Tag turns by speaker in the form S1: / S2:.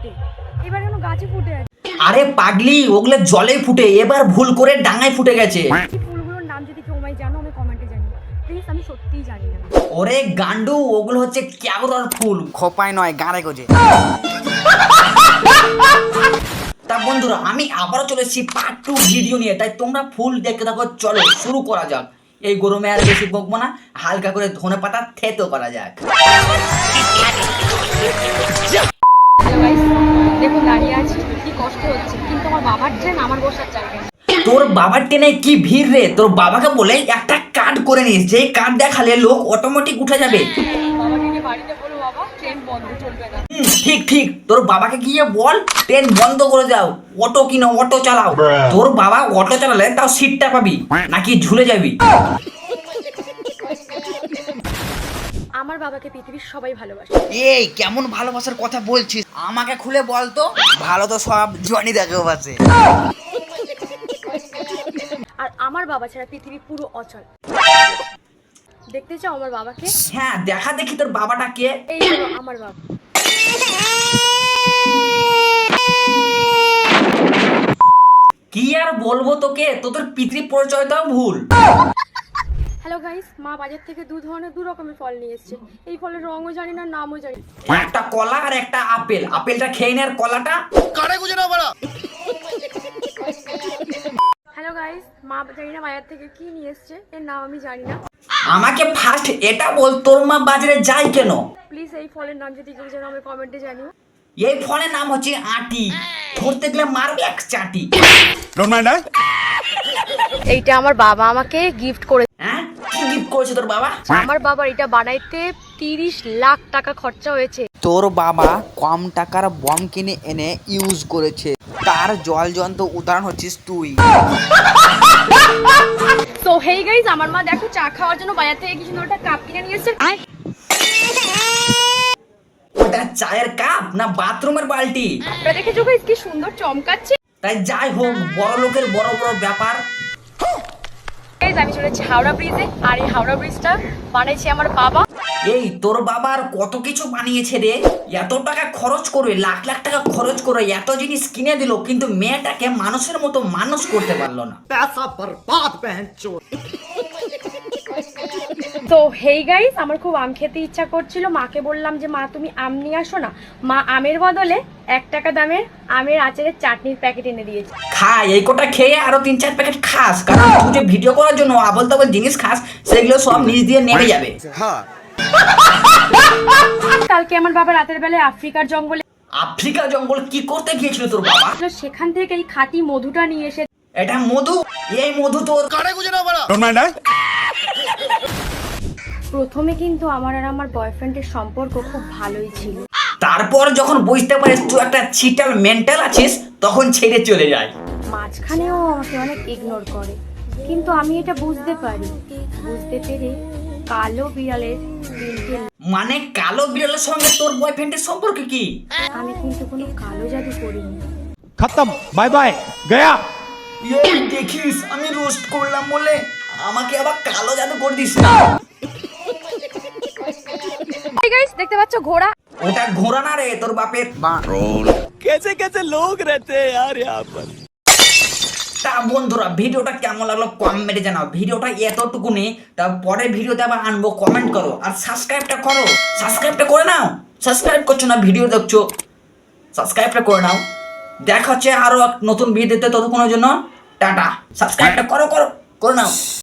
S1: ফোটে, এবার কেন গাছে ফুটে আছে?
S2: আরে পাগলি, ওগুলো জলে ফুটে, এবার ভুল করে ডাঙায় ফুটে গেছে।
S1: এই ফুলগুলোর নাম যদি কেউ আমায় জানো, আমি কমেন্টে জানিও প্লিজ, আমি সত্যিই জানি না।
S2: ওরে গান্ডু, ওগুলো হচ্ছে ক্যাবরার ফুল, খোপায় নয় গাঁড়ে গোজে। তা বন্ধুরা, আমি আবারও চলে এসেছি পার্ট 2 ভিডিও নিয়ে, তাই তোমরা ফুল দেখতে থাকো। চলো শুরু করা যাক। এই গরমে আর বেশি বকবো না, হালকা করে ধনে পাতা থেতো করা যাক।
S1: হ্যালো গাইস, দেখুন দাঁড়িয়ে আছি, কি কষ্ট হচ্ছে, কিন্তু আমার বাবার ট্রেন, আমার বসার জায়গা নেই।
S2: তোর বাবার ট্রেনে কি ভিড় রে! তোর বাবাকে বলে একটা কার্ড করে নিস, যেই কার্ড দেখালে লোক অটোমেটিক উঠে যাবে।
S1: বাবাকে বাড়িতে বলো, বাবা ট্রেন বন্ধ, চলবে না।
S2: ঠিক ঠিক, তোর বাবাকে গিয়ে বল ট্রেন বন্ধ করে দাও, অটো কিনো, অটো চালাও। তোর বাবা অটো চালালে তাও সিটটা পাবি, নাকি ঝুলে যাবি?
S1: আমার বাবাকে পৃথিবীর সবাই ভালোবাসে।
S3: এই কেমন ভালোবাসার কথা বলছিস? আমাকে খুলে বল তো। ভালো তো সব জনি দেখে বাসে।
S1: আর আমার বাবা ছাড়া পৃথিবী পুরো অচল। দেখতে চাও আমার বাবাকে?
S2: হ্যাঁ, দেখা দেখি তোর বাবাটা কে।
S1: এই হলো আমার বাবা।
S2: কি আর বলবো তোকে, তোদের পিতৃ পরিচয়টাও ভুল।
S1: হ্যালো গাইস, মা বাজার থেকে দু রকমের ফল নিয়ে এসেছে। এই ফলের রঙও জানি না, নামও জানি না।
S2: একটা কলা আর একটা আপেল, আপেলটা খেয়ে নে আর কলাটা
S3: কারে গুজে না বড়া।
S1: হ্যালো গাইস, মা জানি না বাজার থেকে কি নিয়ে এসেছে, এর নাম আমি জানি না।
S2: আমাকে ফার্স্ট এটা বল, তোর মা বাজারে যায় কেন?
S1: প্লিজ এই ফলের নাম যদি কেউ জানো, আমি কমেন্টে জানিও।
S2: এই ফলের নাম হচ্ছে আটি, ধরতে গেলে মারবে এক চাটি।
S1: এইটা আমার বাবা আমাকে গিফট করে।
S2: হ্যাঁ, কি গিফট করেছে তোর বাবা?
S1: আমার বাবার এটা বানাইতে 30 লাখ টাকা খরচা হয়েছে।
S3: তোর বাবা কম টাকার বম কিনে এনে ইউজ করেছে, তার জল যন্ত্র উদাহরণ হচ্ছিস তুই।
S1: তো হেই গাইস, আমার মা দেখো চা খাওয়ার জন্য বাজার থেকে কি সুন্দর একটা কাপ কিনে নিয়ে এসেছে।
S2: ওটা চায়ের কাপ না বাথরুমের বালতি?
S1: আপনারা দেখেছো গাইস কি সুন্দর চমকাচ্ছে।
S2: তাই যাই হোক, বড় লোকের বড় বড় ব্যাপার।
S1: গাইস, আমি চলেছি হাওড়া ব্রিজে, আর এই হাওড়া ব্রিজটা বানাইছে আমার বাবা।
S2: এই তোর বাবার কত কিছু বানিয়েছে রে, এত টাকা খরচ করে, লাখ লাখ টাকা খরচ করে এত জিনিস কিনে দিল, কিন্তু মেয়েটাকে মানুষের মতো মানুষ করতে পারলো না।
S1: তো হেই গাইস, আমার খুব আম খেতে ইচ্ছা করছিল, মাকে বললাম যে মা তুমি আম নিয়ে আসো না। মা আমের বদলে 1 টাকা দামের আমের আচারের চাটনির প্যাকেট এনে দিয়েছে।
S2: খা, এই কোটা খেয়ে আরো 3-4 প্যাকেট খাস, কারণ তুই যে ভিডিও করার জন্য আবল তাবল জিনিস খাস, সেগুলো সব নিচ দিয়ে নেমে যাবে।
S1: কালকে আমার বাবা রাতের বেলায় আফ্রিকার জঙ্গলে,
S2: আফ্রিকা জঙ্গল কি করতে গিয়েছিল তোর বাবা?
S1: সেখান থেকে এই খাঁটি মধুটা নিয়ে এসে।
S2: এটা মধু? এই মধু তোর
S3: কারে গুজে না বড়া।
S1: প্রথমে কিন্তু আমার আর আমার বয়ফ্রেন্ডের সম্পর্ক খুব ভালোই ছিল।
S2: তারপর যখন বুঝতে পারিস তুই একটা চিটাল মেন্টাল আছিস, তখন ছেড়ে চলে যায়।
S1: মাঝখানেও আমাকে অনেক ইগনোর করে, কিন্তু আমি এটা বুঝতে পারি। বুঝতে পেরে কালো বিড়ালের দিনকে।
S2: মানে কালো বিড়ালের সঙ্গে তোর বয়ফ্রেন্ডের সম্পর্ক কি?
S1: আমি কিন্তু কোনো কালো জাদু করিনি।
S4: खत्म बाय बाय गया।
S2: এই দেখিস, আমি রোস্ট করলাম বলে আমাকে আবার কালো জাদু করে দিস না।
S1: Hey guys, দেখতে পাচ্ছ ঘোড়া?
S2: ওটা ঘোড়া না রে, তোর বাপের।
S4: कैसे कैसे लोग रहते हैं यार यहाँ पर।
S2: তা বন্ধুরা, ভিডিওটা কেমন লাগলো কমেন্টে জানাও। ভিডিওটা এতটুকুনি, তা পরের ভিডিওতে আবার আনবো, কমেন্ট করো আর সাবস্ক্রাইবটা করো। সাবস্ক্রাইবটা করে নাও, সাবস্ক্রাইব করছো না, ভিডিও দেখছো, সাবস্ক্রাইবটা করে নাও। দেখা হচ্ছে আরো নতুন ভিডিওতে, ততক্ষণের জন্য টাটা। সাবস্ক্রাইবটা করো করো করে নাও।